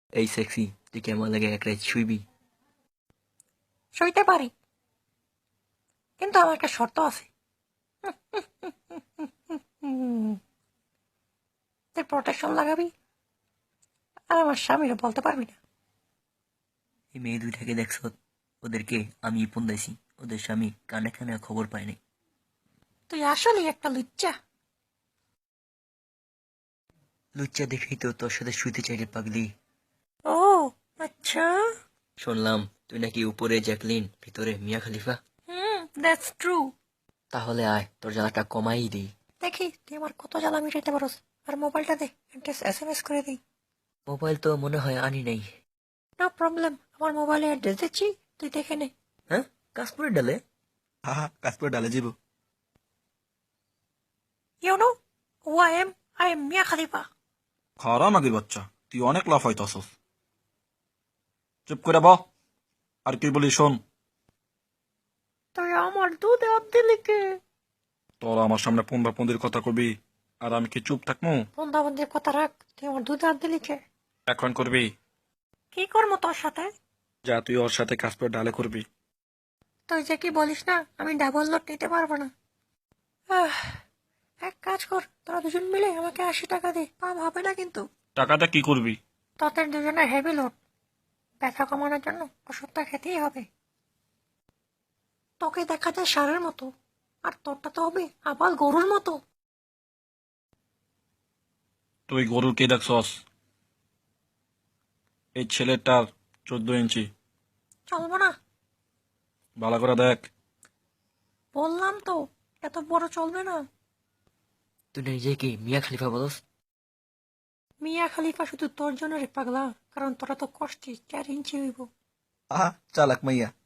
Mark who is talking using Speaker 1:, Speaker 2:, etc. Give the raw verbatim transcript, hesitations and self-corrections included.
Speaker 1: এই সেক্সি, তুই কেমন লাগে এক রাত শুইবি?
Speaker 2: সইতে পারি, কিন্তু আমার একটা শর্ত আছে। হুম, তুই প্রোটেকশন লাগাবি আর আমার স্বামীরা বলতে পারবি না।
Speaker 1: এই মেয়ে দুইটাকে দেখছ? ওদেরকে আমি ফোন দিয়েছি, ওদের স্বামী কানে কানে খবর পায় নাই।
Speaker 2: তুই আসলেই একটা লুচ্চা।
Speaker 1: লুচ্চা দেখেই তো তোর সাথে শুইতে চাইলে পাগলি।
Speaker 2: ও আচ্ছা।
Speaker 1: শুনলাম তুই নাকি উপরে জ্যাকলিন, ভিতরে মিয়া খলিফা।
Speaker 2: হুম, দ্যাটস ট্রু।
Speaker 1: তাহলে আয়, তোর জ্বালাটা কমাই দিই।
Speaker 2: দেখি তুই আমার কত জ্বালা মিটাইতে পারস। আর মোবাইলটা দে, একটা এস এম এস করে দিই।
Speaker 1: মোবাইল তো মনে হয় আনি নাই।
Speaker 2: নো প্রবলেম, আমার মোবাইলে অ্যাড্রেস দিচ্ছি, তুই দেখে নে।
Speaker 1: হ্যাঁ, কাশপুরের ডালে?
Speaker 3: হা হা কাজ করে ডালে যাব।
Speaker 2: You know who I am? I am Mia Khalifa.
Speaker 3: খারা নাগির বাচ্চা, তুই অনেক লাফাইতাছস। চুপ করে ব। আর কি বলি শোন,
Speaker 2: তুই আমার দুধে হাত দিলি কে?
Speaker 3: তোরা আমার সামনে পন্দা পন্দির কথা কবি আর আমি কি চুপ থাকবো?
Speaker 2: বন্ধা বন্ধির কথা রাখ, তুই আমার দুধে হাত দিলি কে?
Speaker 3: এখন করবি?
Speaker 2: কি করবো তোর সাথে?
Speaker 3: যা তুই ওর সাথে কাজ করে ডালে করবি।
Speaker 2: তুই যে কি বলিস না, আমি ডাবল লোড নিতে পারবো না। আহ, এক কাজ কর, তোরা দুজন মিলে আমাকে আশি টাকা দে, পাম হবে না কিন্তু।
Speaker 3: টাকাটা কি করবি?
Speaker 2: তোদের দুজনের হেভি লোড, ব্যথা কমানোর জন্য ওষুধটা খেতেই হবে। তোকে দেখা যায় ষাঁড়ের মতো, আর তোরটা তো হবে আবাল গরুর মতো।
Speaker 3: তুই গরুর কে দেখছস? এই ছেলেটার চোদ্দ ইঞ্চি।
Speaker 2: চলবো না?
Speaker 3: ভালো করে দেখ।
Speaker 2: বললাম তো, এত বড় চলবে না।
Speaker 1: তুই নিজেকে মিয়া খলিফা বলস?
Speaker 2: মিয়া খালিফা শুধু তোর জন্য রে পাগলা, কারণ তোরা তো কষ্টে চার ইঞ্চি হইব।
Speaker 4: আহা চালাক মাইয়া,